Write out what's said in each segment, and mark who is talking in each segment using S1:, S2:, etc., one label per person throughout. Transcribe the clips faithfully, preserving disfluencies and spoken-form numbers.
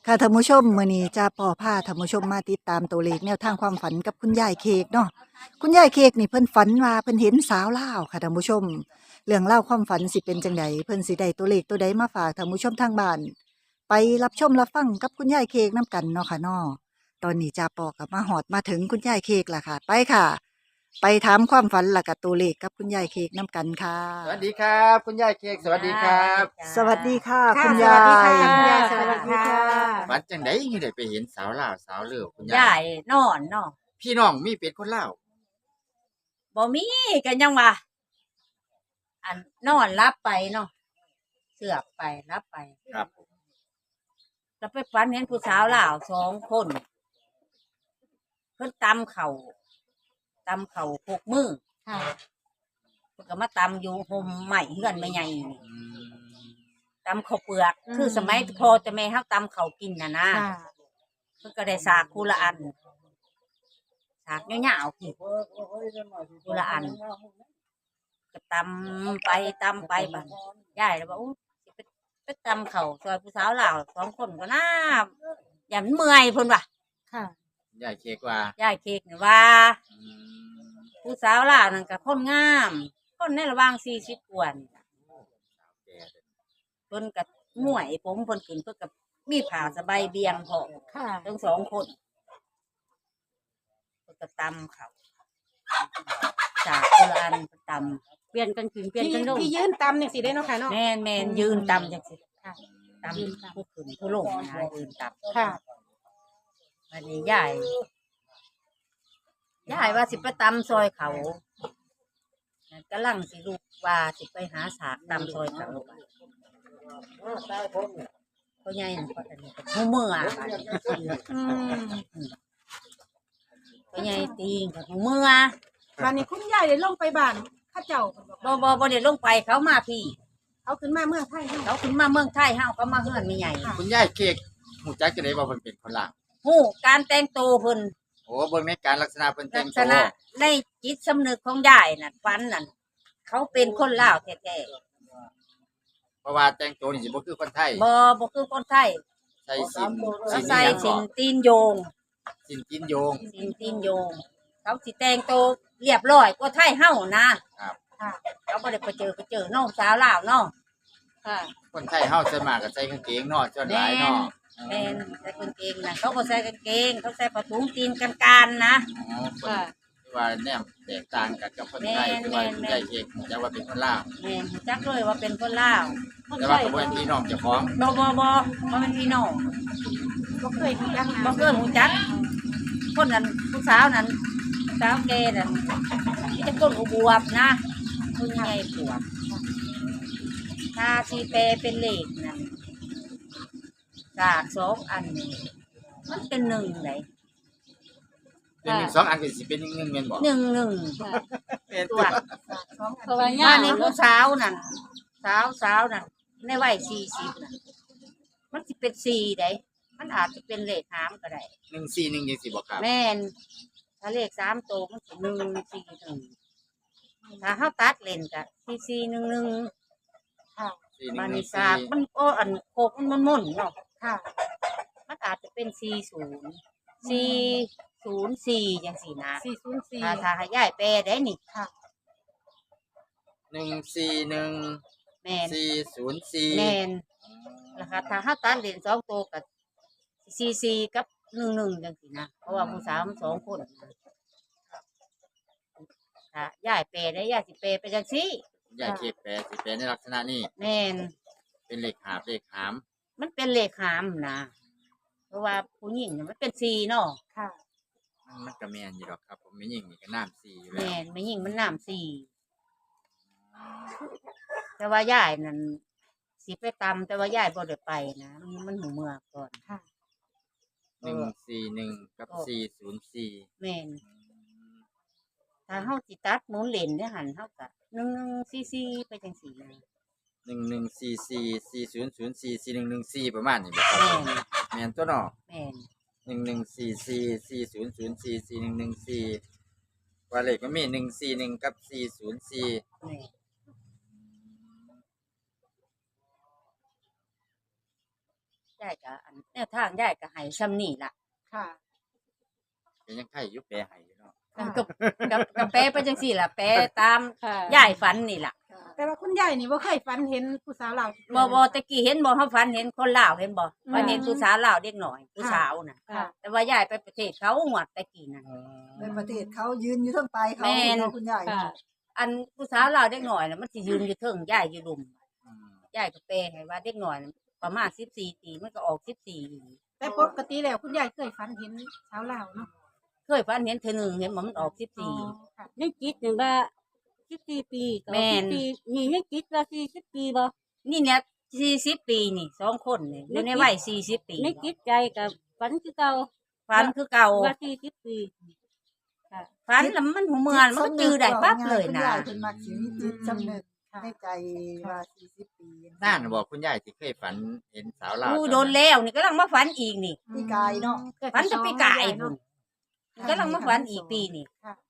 S1: ค่ะท่านผู้ชมมื้อนี้จะปอพาท่านผู้ชมมาติดตามตัวเลขแนวทางความฝันกับคุณยายเค้กเนาะคุณยายเค้กนี่เพิ่นฝันว่าเพิ่นเห็นสาวลาวค่ะท่านผู้ชมเรื่องเล่าวความฝันสิเป็นจังไดเพิ่นสิได้ตัวเลขตัวใดมาฝากท่านผู้ชมทางบ้านไปรับชมรับฟังกับคุณยายเค้กนํกันเนาะค่ะเนาะตอนนี้จะปอกับมาฮอดมาถึงคุณยายเค้กล่ะค่ะไปค่ะ ไปถามความฝันและกับตัวเลขกับคุณยายเค้กนํกันค่ะ
S2: สวัสดีครับคุณยายเค้กสวัสดีครับ
S1: สวัสดีค่ะ
S3: ค่ะ
S1: คุณ
S3: ส
S1: ยา
S3: วัสดีค่ะ
S1: ย
S3: คุณยาย
S2: ส
S3: ส
S2: วั
S3: วั
S2: ส
S3: ส
S2: ดี
S3: ดี
S2: ค่ะ
S3: ค่ะ
S2: ฝันจังไดยังได้ไปเห็นสาวลาวสาวเลือคุณยาย
S3: ยายนอนเนาะ
S2: พี่น้องมีเป็นคนลาว
S3: บ่มีกันยังว่าอันนอนรับไปเนาะเสือกไปรับไป
S2: ครับ
S3: แล้วไปฝันเห็นผู้สาวลาวสองคน เพิ่นตำเข่าตำเข่าพกมือ
S4: ค่ะ
S3: เพิ่นก็มาตำอยู่ห่มใหม่เฮือนไม่ใหญ่นี่
S2: อืม
S3: ตำข้าวเปลือก คือสมัยพอจะแม่เฮาตำข้าวกินน่ะนะ
S4: ค่ะ
S3: เพิ่นก็ได้สากคูละอันสากยาวๆคือคูละอัน ก็ตำไปตำไปบัดยายแล้วบอกอู้สิไปไปตำเขาซอยผู้สาวลาวสองคนก็น่าอย่ามันเมื่อยเพิ่นว่ะ
S4: ค่ะ
S2: ยายเค้กว่าย
S3: ายเค้กนี่ว่า
S2: อืม
S3: ผู้สาวลาวนั่นก็คนงามคนในระหว่างสี่สิบกว่านี่ล่ะ
S2: แก่เด้อ
S3: เพิ่นก็ม่วยผมเพิ่นขึ้นเพิ่นก็มีผ้าสบายเบียงพร้อม
S4: ค่ะ
S3: ทั้งสองคนเพิ่นก็ตำเขาจากคนละอันเพิ่นตำเปลี่ยนกันขึ้นเปลี่ยน
S4: ที่
S3: กันลง
S4: ที่ยืนตำนี่สิได้เนาะค่ะเนาะ
S3: แม่นแม่นยืนตำจังซี่
S4: ค่ะ
S3: ตำผู้ขึ้นผู้ลงนะยืนตำ
S4: ค่ะ
S3: วันนี้ยายยายว่าสิไปตำซอยเขากำลังสิลูกว่าสิไปหาสากตำซอยเขาเพราะยายนั่นก็อันนี้ก็หูเมื่อ
S4: อืม
S3: เพราะยายตีงกับหูเมื่อ
S4: วันนี้คุณยายได้ลงไปบ้านเข้าเจ้าเพิ่นบอก
S3: บ่บ่บ่ได้ลงไปเขามาพี่
S4: เอาขึ้นมาเมืองไทยเนาะ
S3: เขาขึ้นมาเมืองไทยเฮาก็มาเฮือนไม่ใหญ่
S2: คุณยายเค้กหูจักจังไดว่าเพิ่นเป็นคนลาว
S3: ฮู้การแต่งตัวเพิ่น
S2: โอ้เบิ่งในการลักษณะเพิ่นแต่
S3: ลั
S2: ง
S3: กษ
S2: ตัว
S3: ณะในจิตสำนึกของยายน่ะฝันนั่นเขาเป็นคนลาวแท้
S2: เพราะว่าแต่งตัวนี่สิบ่คือคนไทย
S3: ๆบ่บ่คือคนไทย
S2: ใส่สิน
S3: เขา
S2: น
S3: ใส่
S2: หยัง
S3: สิ
S2: ก่อน
S3: ตีนโยง
S2: สินกินโยง
S3: สินตีนโยง เขาสิแต่งตัวเรียบร้อยกว่าไทยเฮานะครับ
S4: ค่ะ
S3: เขาบ่ได้ไปเจอไปเจอน้องสาวลาวเนาะ
S4: ค่ะ
S2: คนไทยเฮาส่วนมากก็ใส่กางเกงเนาะส่วนหลายเนาะ
S3: แม่นใส่กางเกงนะเขาบ่ใส่กางเกง เขาใส่ผ้าถุงตีนกันการนะ
S2: อ๋อคน
S4: ค่ะ
S2: ที่ว่าแนมแตกต่างกันกับคนไทย
S3: แม่น
S2: ที่ว่า
S3: แม่น
S2: คุณยายเค้กหูจักว่าเป็นคนลาว
S3: แม่นรู้จักเลยว่าเป็นคนลาว
S2: แต่ว่าก็บ่เป็นพี่น้องเจ้าของ
S3: บ่บ่บ่บ่เป็นพี่น้อง
S4: บ่เคยรู้จักนะ
S3: บ่เคยรู้จัก คนนั้นผู้สาวนั้นผู้สาวแกนั่นมีแต่คนอวบๆนะคนใหญ่ปวบถ้าสิแปลเป็นเลขนั่นจากสองอันนี่มันเป็นหนึ่งไหน
S2: เป็นหนึ่งสองอันก็สิเป็นหนึ่งหนึ่งแม่นบ่
S3: หนึ่งหนึ่ง
S2: เป็น
S3: ตั
S2: ตัว ว
S4: เพราะว่า
S3: บ้า
S4: ย่าน
S3: ในผู้สาวนั่นสาวสาวนั่นในวัยสี่สิบนั่นมันสิเป็นสี่ได้มันอาจจะเป็นเลขหามก็ได้
S2: หนึ่งสี่หนึ่งยังสิบ่ครับ
S3: แม่นถ้าเลขสามตัวมันสิหนึ่งสี่หนึ่งถ้าเฮาตัดเล่นก็สี่สี่หนึ่งหนึ่ง
S4: ค่ะ
S2: สี่หนึ่
S3: มาง
S2: หนึ่
S3: นิ
S2: ง
S3: สา
S2: สี่
S3: มันโอ้อันโคกมันมันม่นๆเนาะ
S4: ค่ะ
S3: มันอาจจะเป็นสี่ศูนย์สี่ศูนย์สี่อย่างสี่นะ
S4: สี่ศูนย์สี่
S3: ถ้าถ้าให้ย้ายแปลได้นี่
S4: ค่ะ
S2: หนึ่งสี่หนึ่ง
S3: แม่น
S2: สี่ศูนย์สี่
S3: แม่นนะคะถ้าเฮาตัดเล่นสองตัวก็สี่สี่กับหนึ่งหนึ่งจังสี่นะเพราะว่าผู้สาวมันสองคนนะถ้าย้ายแปลได้ย้ายสิแปลไปจังซี่
S2: ยายเค้กแปลสิแปลในลักษณะนี้
S3: แม่น
S2: เป็นเลขหาบเลขหาม
S3: มันเป็นเลขหามนะเพราะว่าผู้หญิงน่ะมันเป็นสี่เนาะ
S4: ค่ะ
S2: มันมันก็แม่นอยู่ดอกครับ ผมไม่ยิงนี่ก็น้ำสี่อยู่แล้
S3: แม่
S2: วน
S3: ไม่ยิ่งมันน้ำสี่แต่ว่ายายนั่นสิไปตำแต่ว่ายายบ่ได้ไปนะมันมันหูเมือกก่อน
S4: ค่ะ
S2: หนึ่งสี่หนึ่งกับสี่ศูนย์สี่
S3: แม่นถ้าเฮาสิตัดหมุนเลนได้หันเฮาก็หนึ่งหนึ่งสี่สี่ไปจังสี่นะ
S2: หนึ่งหนึ่งสี่สี่สี่ศูนย์ศูนย์สี่สี่หนึ่งหนึ่งสี่ประมาณนี้บ่ครับ
S3: แม่น
S2: แม่นตัวเนาะ
S3: แม่น
S2: หนึ่งหนึ่งสี่สี่สี่ศูนย์ศูนย์สี่สี่หนึ่งหนึ่งสี่ว่าเลขมันมีหนึ่งสี่หนึ่งกับสี่ศูนย์สี่
S3: แม่นยายก็อันแนวทางยายก็ให้ซ้ำนี่ล่ะ
S4: ค่ะ
S2: เป็นยังไงยุบแปรให้อยู่เนาะ
S3: กับกับกับแปลไปจังซี่ล่ะแปลตาม
S4: ค่ะ
S3: ยายฝันนี่ล่ะ
S4: แต่ว่าคุณยายนี่บ่เคยฝันเห็นผู้สาวลาว
S3: บ่บ่ตะกี้เห็นบ่เฮาฝันเห็นคนลาวเห็นบ่
S4: อืม
S3: ฝันเห็นผู้สาวลาวเด็กน้อยผู้สาวน่ะ
S4: ค่ะ
S3: แต่ว่ายายไปประเทศเขาหวดตะกี้น่ะ
S1: ในประเทศเขายืนอยู่เทั้งปลายเขา
S3: แม่น
S1: เนาะคุณยาย
S4: ค่ะ
S3: อันผู้สาวลาวเด็กน้อยน่ะมันสิยืนอยู่เทิงยายอยู่ลุม
S2: อืม
S3: ยายก็แปลให้ว่าเด็กน้อยน่ะประมาณสิบสี่ปีมันก็ออกสิบสี่
S4: แต่ปกติแล้วคุณยายเคยฝันเห็นสาวลาวเนาะ
S3: เคยฝันเห็นเทื่อหนึงเห็นบ่มันออกสิบ
S4: อ๋อ
S3: สี่
S4: ค่ะ
S5: ยังคิดอยู่ว่าสิบสี่ปีกับ
S3: แม่น
S5: สิบปีนี่ยังคิดว่าสี่สิบปีบ่
S3: นี่เนี่ยสี่สิบปีนี่สองคนนี่อยู่ในวัยสี่สิบปี
S5: ในคิดใจกับฝันคือเก่า
S3: ฝันคือเก่า
S5: ว่าสี่สิบปี
S3: ฝันแล้วมันหูเมือนมันก็จือได้ปั๊บเลย
S1: คุณ
S3: นะ
S1: ยายเพิ่นมักสิมีจิตสำนึกในใจว่าสี่สิบปี
S2: น่านบอกคุณยายที่เคยฝันเห็นสาวลาว
S3: อู้โดนแล้วนี่กำลังมาฝันอีกนี่
S1: พี่กายเนาะ
S3: ฝันจะปีกาย
S4: เนาะ
S3: พุ่นกำลังมาฝันอีกปีนี่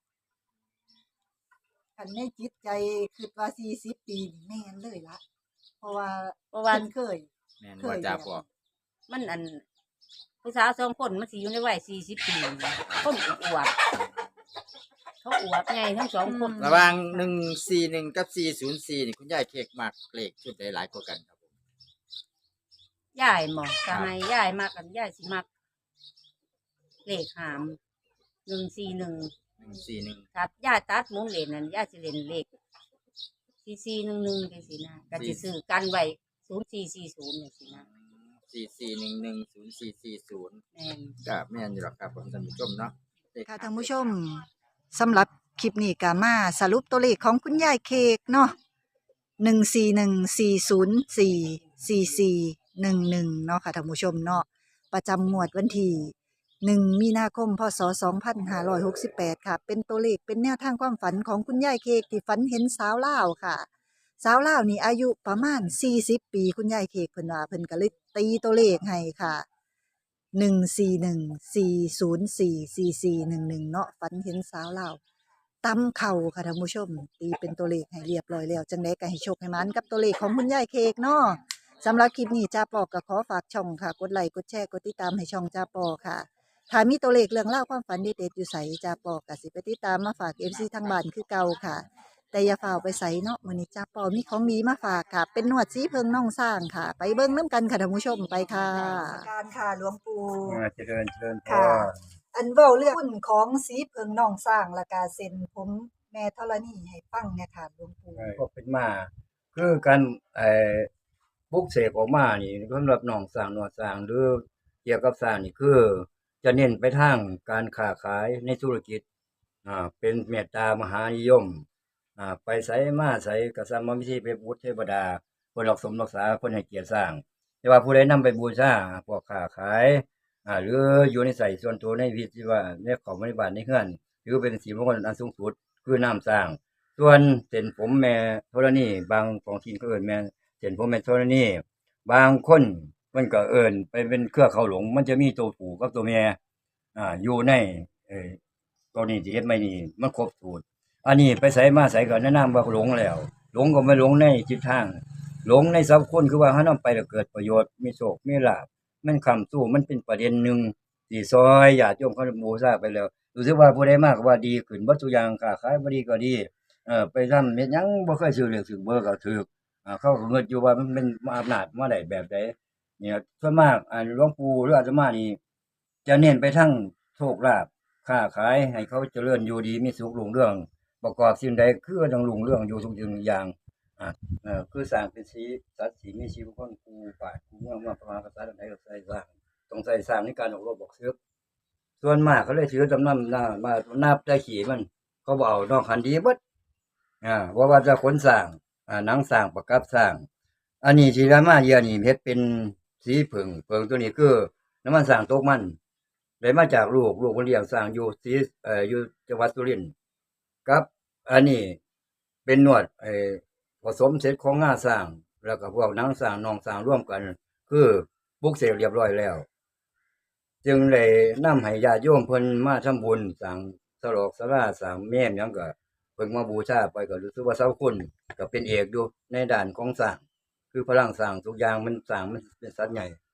S1: คันในจิตใจคิดว่าสี่สิบปีนี่แม่นเลยละเพราะว่า
S3: เพราะว่า
S1: เพิ่นเคย
S2: แม่นว่าจะบอก
S3: มันอันผู้สาวสองคนมันสิอยู่ในวัยสี่สิบปีคนอวบเขาอวบใหญ่ทั้งสองคน
S2: ระหว่างหนึ่งสี่หนึ่งกับสี่ศูนย์สี่นี่คุณยายเค้กมากเลขชุดใดหลายกว่ากันครับผม
S3: ยายหมอกก็ให้ยายมากกันยายสิมักเลขหามหนึ่งสี่หนึ่ง
S2: หนึ่งสี่หนึ่ง
S3: ครับยายตัดหมุนเลนนั่นยายสิเล่นเลขสี่สี่หนึ่งหนึ่งจังซี่นะก็สิซื้อกันไว้ศูนย์สี่สี่ศูนย์จังซี่นะ
S2: สี่สี่หนึ่งหนึ่งศูนย์สี่สี่ศูนย์
S3: แม่น
S2: ก็แม่นอยู่หรอกครับผมท่านผู้ชมเนาะเลข
S1: ค่ะท่านผู้ชมสำหรับคลิปนี้ก็มาสรุปตัวเลขของคุณยายเค้กเนาะหนึ่งสี่หนึ่งสี่ศูนย์สี่สี่สี่หนึ่งหนึ่งเนาะค่ะท่านผู้ชมเนาะประจำงวดวันที่หนึ่งมีนาคมพศสองพันห้าร้อยหกสิบแปดค่ะ เป็นตัวเลขเป็นแนวทางความฝันของคุณยายเค้กที่ฝันเห็นสาวลาวค่ะ สาวลาวนี่อายุประมาณสี่สิบปีคุณยายเค้กเพิ่นว่าเพิ่นก็เลยตีตัวเลขให้ค่ะหนึ่งสี่หนึ่งสี่ศูนย์สี่สี่สี่หนึ่งหนึ่งเนาะฝันเห็นสาวลาวตำเข่าค่ะท่านผู้ชม ตีเป็นตัวเลขให้เรียบร้อยแล้วจังได๋ก็ให้โชคให้หมันกับตัวเลขของคุณยายเค้กเนาะสำหรับคลิปนี้จ้าปอก็ขอฝากช่องค่ะ กดไลค์กดแชร์กดติดตามให้ช่องจ้าปอค่ะ ถ้ามีตัวเลขเรื่องเล่าวความฝันเด็ดๆอยู่ใสจ้าปอก็สิไปติดตามมาฝาก เอฟ ซี ทางบ้านคือเก่าค่ะ แต่อย่าฝ่าไปใส่เนาะมื้อนี้จ้าปอมีของดีมาฝากค่ะ เป็นนวดสีเพิงน่องสร้างค่ะ ไปเบิ่งน้ำกันค่ะท่านผู้ชมไปค่ะการค่ะหลวงปู่
S6: อ่าเจริญเจริญพ
S1: ค่ะ
S6: ร
S1: อันเว้าเรื่องหุ้นของสีเพิงน่องสร้างและกาเซ็นผมแม่ธรณีให้ฟังเนี่ยค่ะหลวงปู่
S6: ก็เป็นมา คือการไอ้ปลุกเสกออกมานี่สำหรับน้องสร้างนวดสร้างหรือเกี่ยวกับสร้างนี่คือจะเน้นไปทางการค้าขายในธุรกิจอ่าเป็นเมตตามหานิยมอ่าไปไสมาไสก็สามารถวิธีไปบูชเทวดาเพิ่นรักสมรักษาเพิ่นให้เกียรติสร้าง แต่ว่าผู้ใดนำไปบูชาพวกค้าขายอ่าหรืออยู่ในใส่ส่วนตัวในวิธีว่าในของบริบาลในเฮือนหรือเป็นสีมงคลอันสูงสุดคือน้ำสร้าง ส่วนเส้นผมแม่ธรณีบางของทีนก็เอิ้นแม่เส้นผมแม่ธรณีบางคนมันก็เอิ้นไปเป็นเครือเขาหลง มันจะมีตัวผู้กับตัวแม่อ่าอยู่ในเอ่อตัวนี้ที่เฮ็ดไม่นี่มันครบสูตรอันนี้ไปไสมาไสก็แนะนำว่าหลงแล้ว หลงก็ไม่หลงในทิศทาง หลงในสัพคนคือว่าเฮานำไปแล้วเกิดประโยชน์มีโชคมีลาภมันค้ำสู้มันเป็นประเด็นหนึ่งที่ซอยญาติโยมเขาบูชาไปแล้วรู้สึกว่าผู้ใดมากก็ว่าดีขึ้นบ่ทุกอย่างค้าขายบ่ดีก็ดี เออไปทำเฮ็ดหยังบ่เคยซื้อเลขซื้อเบอร์ก็ถูกอ่าเขาก็เงิดอยู่ว่ามันเป็นอำนาจมาได้แบบใดเนี่ยส่วนมากอ่าหลวงปู่หรืออาตมานี่จะเน้นไปทางโชคลาภค้าขายให้เขาเจริญอยู่ดีมีสุขรุ่งเรืองประกอบสิ่งใดคือต้องรุ่งเรืองอยู่ทุกสิ่งทุกอย่างอ่าเอ่อคือสร้างเป็นสีสัตว์สีมีชีวิตคนกูป่ากูเมืองเมืองพระมหากษัตริย์ใดก็ใส่สร้างต้องใส่สร้างในการออกรบออกศึกส่วนมากเขาเลยถือจำนำหน้ามานับได้ขี่มันเขาบ่เอานอกคันดีเบิด อ่าว่าว่าจะขนสร้างอ่าหนังสร้างประกับสร้าง อันนี้ที่รามาเยียนี่เฮ็ดเป็นสีผึ่งผึ่งตัวนี้คือน้ำมันสร้างตกมันได้มาจากลูกลูกคนเลี้ยงสร้างอยู่สีเอ่ออยู่จังหวัดสุรินทร์กับอันนี้เป็นนวดไอ้ผสมเสร็จของงาสร้าง แล้วก็พวกหนังสร้างนองสร้างร่วมกัน คือปลุกเสกเรียบร้อยแล้ว จึงได้นำให้ญาติโยมเพิ่นมาทำบุญสร้างสลอกศาลาสร้างแม่นหยังก็ เพิ่งมาบูชาไปก็รู้สึกว่าเสาคุณก็เป็นเอกอยู่ในด้านของสร้างคือพลังสร้างทุกอย่างมันสร้างมันเป็นสัตว์ใหญ่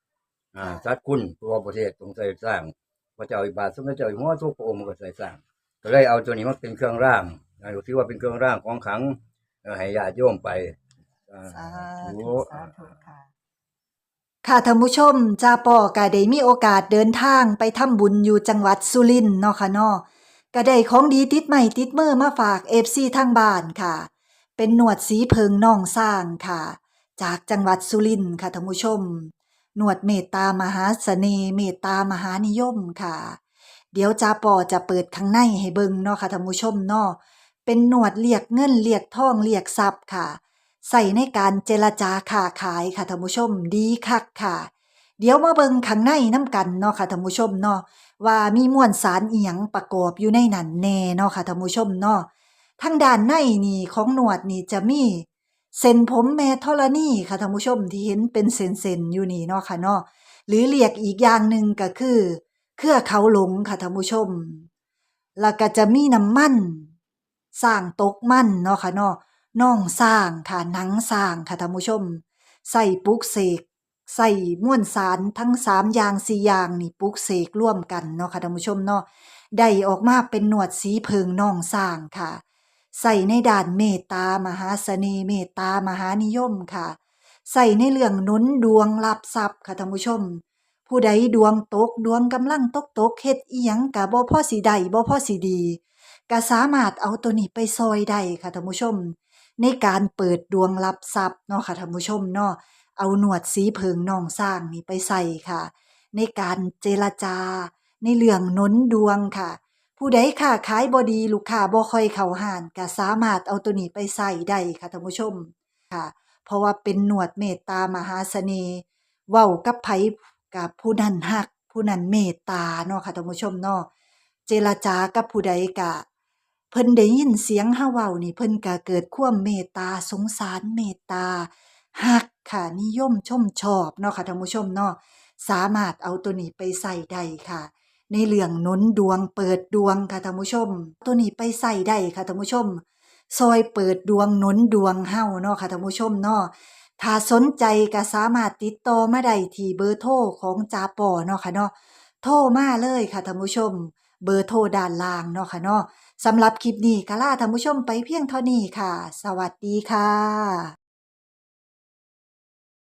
S6: อ่าสัตว์คุณตัวประเทศทรงใส่สร้างพระเจ้าอิบาทสมเด็จเจ้าอยู่หัวทุกพระองค์ก็ใส่สร้างก็เลยเอาตัวนี้มาเป็นเครื่องร่างอ่าถือว่าเป็นเครื่องร่างของขลังเอ่อให้ญาติโยมไปอ่า
S1: สา
S6: โอ้
S1: ธุสาธุค่ะ ค่ะท่านผู้ชมจ้าปอก็ได้มีโอกาสเดินทางไปทำบุญอยู่จังหวัดสุรินทร์เนาะค่ะเนาะก็ได้ของดีติดใหม่ติดมือมาฝาก เอฟ ซี ทางบ้านค่ะ เป็นหนวดสีเพิงน่องสร้างค่ะ จากจังหวัดสุรินทร์ค่ะท่านผู้ชมหนวดเมตตามหาเสน่ห์เมตตามหานิยมค่ะ เดี๋ยวจ้าปอจะเปิดข้างในให้เบิ่งเนาะค่ะท่านผู้ชมเนาะเป็นหนวดเรียกเงินเรียกทองเรียกทรัพย์ค่ะ ใส่ในการเจรจาค้าขายค่ะท่านผู้ชมดีคักค่ะ เดี๋ยวมาเบิ่งข้างในน้ำกันเนาะค่ะท่านผู้ชมเนาะว่ามีมวลสารอีหยังประกอบอยู่ในนั้นแน่เนาะค่ะท่านผู้ชมเนาะทางด้านในนี่ของหนวดนี่จะมีเส้นผมแม่ธรณีค่ะท่านผู้ชมที่เห็นเป็นเส้นๆอยู่นี่เนาะค่ะเนาะหรือเรียกอีกอย่างหนึ่งก็คือ เครือเขาหลงค่ะท่านผู้ชม แล้วก็จะมีน้ำมันสร้างตกมันเนาะค่ะเนาะน่องสร้างค่ะหนังสร้างค่ะท่านผู้ชม ใส่ปลุกเสกใส่ม่วนสารทั้งสามอย่างสี่อย่างนี่ปลุกเสกร่วมกันเนาะค่ะท่านผู้ชมเนาะได้ออกมาเป็นหนวดสีเพิงน่องสร้างค่ะ ใส่ในด้านเมตตามหาเสน่ห์เมตตามหานิยมค่ะ ใส่ในเรื่องหนุนดวงรับทรัพย์ค่ะท่านผู้ชม ผู้ใดดวงตกดวงกำลังตกตกเฮ็ดอีหยังก็บ่พอสิได้บ่พอสิดีก็สามารถเอาตัวนี้ไปซอยได้ค่ะท่านผู้ชม ในการเปิดดวงรับทรัพย์เนาะค่ะท่านผู้ชมเนาะเอาหนวดสีเพิงน่องสร้างนี่ไปใส่ค่ะ ในการเจรจา ในเรื่องหนุนดวงค่ะ ผู้ใดค้าขายบ่ดีลูกค้าบ่ค่อยเข้าห้านก็สามารถเอาตัวนี้ไปใส่ได้ค่ะท่านผู้ชมค่ะ เพราะว่าเป็นหนวดเมตตามหาเสน่ห์เว้ากับไผกับผู้นั้นฮัก ผู้นั้นเมตตาเนาะค่ะท่านผู้ชมเนาะเจรจากับผู้ใดก็เพิ่นได้ยินเสียงเฮาเว้านี่เพิ่นก็เกิดความเมตตาสงสารเมตตาฮักค่ะนิยมชมชอบเนาะค่ะท่านผู้ชมเนาะสามารถเอาตัวนี้ไปใส่ได้ค่ะ ในเรื่องหนุนดวงเปิดดวงค่ะท่านผู้ชม ตัวนี้ไปใส่ได้ค่ะท่านผู้ชม ซอยเปิดดวงหนุนดวงเฮาเนาะค่ะท่านผู้ชมเนาะถ้าสนใจก็สามารถติดต่อมาได้ที่เบอร์โทรของจาปอเนาะค่ะเนาะโทรมาเลยค่ะท่านผู้ชม เบอร์โทรด้านล่างเนาะค่ะเนาะสำหรับคลิปนี้ก็ลาท่านผู้ชมไปเพียงเท่านี้ค่ะ สวัสดีค่ะ